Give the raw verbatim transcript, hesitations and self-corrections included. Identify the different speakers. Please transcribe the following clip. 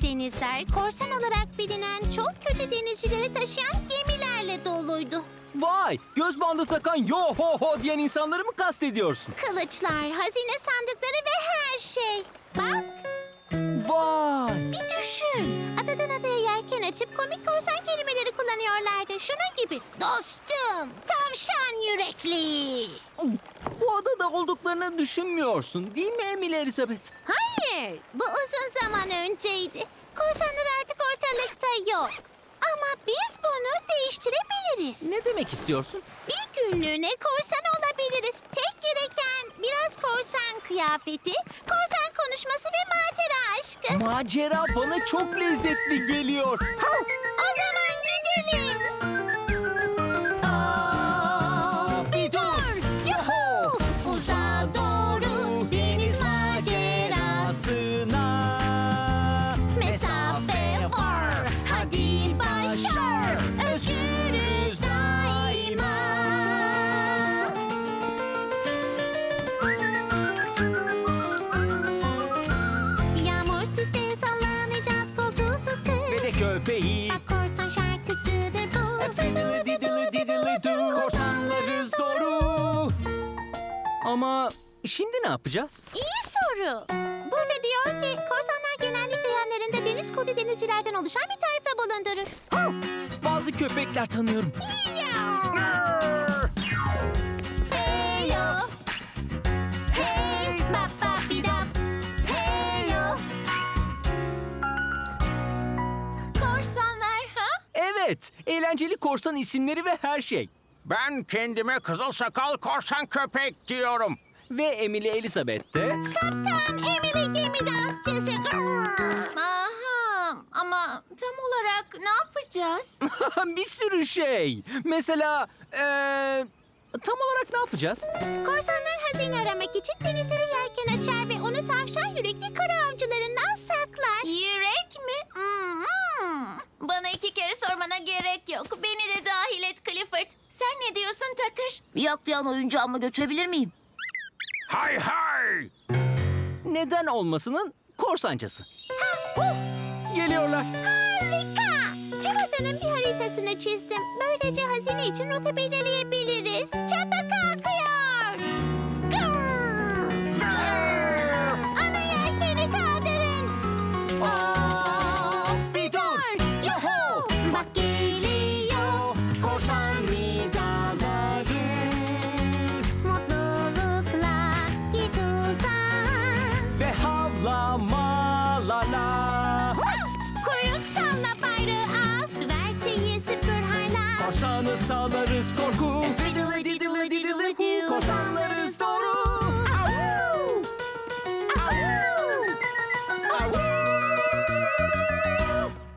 Speaker 1: denizler korsan olarak bilinen çok kötü denizcileri taşıyan gemilerle doluydu.
Speaker 2: Vay! Göz bandı takan yo ho ho diyen insanları mı kastediyorsun?
Speaker 1: Kılıçlar, hazine sandıkları ve her şey. Bak,
Speaker 2: Vay!
Speaker 1: bir düşün. Adadan adaya yelken açıp komik korsan kelimeleri kullanıyorlardı. Şunun gibi. Dostum, tavşan yürekli.
Speaker 2: Bu adada olduklarını düşünmüyorsun değil mi Emily Elizabeth?
Speaker 1: Hayır, bu uzun zaman önceydi. Korsanlar artık ortalıkta yok. Ama biz bunu değiştirebiliriz.
Speaker 2: Ne demek istiyorsun?
Speaker 1: Bir günlüğüne korsan olabiliriz. Tek gereken biraz korsan kıyafeti, korsan konuşması ve macera aşkı.
Speaker 2: Macera bana çok lezzetli geliyor.
Speaker 1: O zaman gidelim.
Speaker 2: Aa, bir dur! Yaho!
Speaker 1: Uzağa doğru deniz macerasına mesafe var. Hadi başar. Özgürüz daima. Yağmursuz değil sallanacağız koltuğsuz kız.
Speaker 2: Ve de köpeği.
Speaker 1: Bak korsan şarkısıdır bu.
Speaker 2: Fiddly diddly diddly do. Korsanlarız doğru. Ama şimdi ne yapacağız?
Speaker 1: İyi soru. Burada diyor ki korsanlar genellikle yanlarında deniz kurdu denizcilerden oluşan bir tayfa bulundurur.
Speaker 2: Bazı köpekler tanıyorum.
Speaker 1: Hey yo. Hey bap bap bidap. Hey yo. Korsanlar ha?
Speaker 2: Evet, eğlenceli korsan isimleri ve her şey.
Speaker 3: Ben kendime kızıl sakal korsan köpek diyorum.
Speaker 2: Ve Emily Elizabeth de...
Speaker 1: Kaptan Emily gemi dansçısı. Aha, ama tam olarak ne yapacağız?
Speaker 2: bir sürü şey. Mesela... eee, tam olarak ne yapacağız?
Speaker 1: Korsanlar hazine aramak için denizlere yelken açar ve onu tavşan yürekli kara avcılarından saklar. Yürek mi? Hmm. Bana iki kere sormana gerek yok. Beni de dahil et Clifford. Sen ne diyorsun Takır?
Speaker 4: Bir yaklayan oyuncağımı götürebilir miyim?
Speaker 3: Hay hay!
Speaker 2: Neden olmasının korsancası. Geliyorlar.
Speaker 1: Harika! Çabatanın bir haritasını çizdim. Böylece hazine için rota belirleyebiliriz. Çapa kalkıyor. Gırr! Ana yelkeni kaldırın.
Speaker 2: Bir dur!
Speaker 1: Yuhu! Bak geliyor korsan vidaları. Mutlulukla git uzağa.
Speaker 2: Ve havlama la la.
Speaker 1: Kuyruk salla bayrağı as. Verteyi süpür hala.
Speaker 2: Korsanı salarız korku. Fiddly diddly diddly do. Korsanları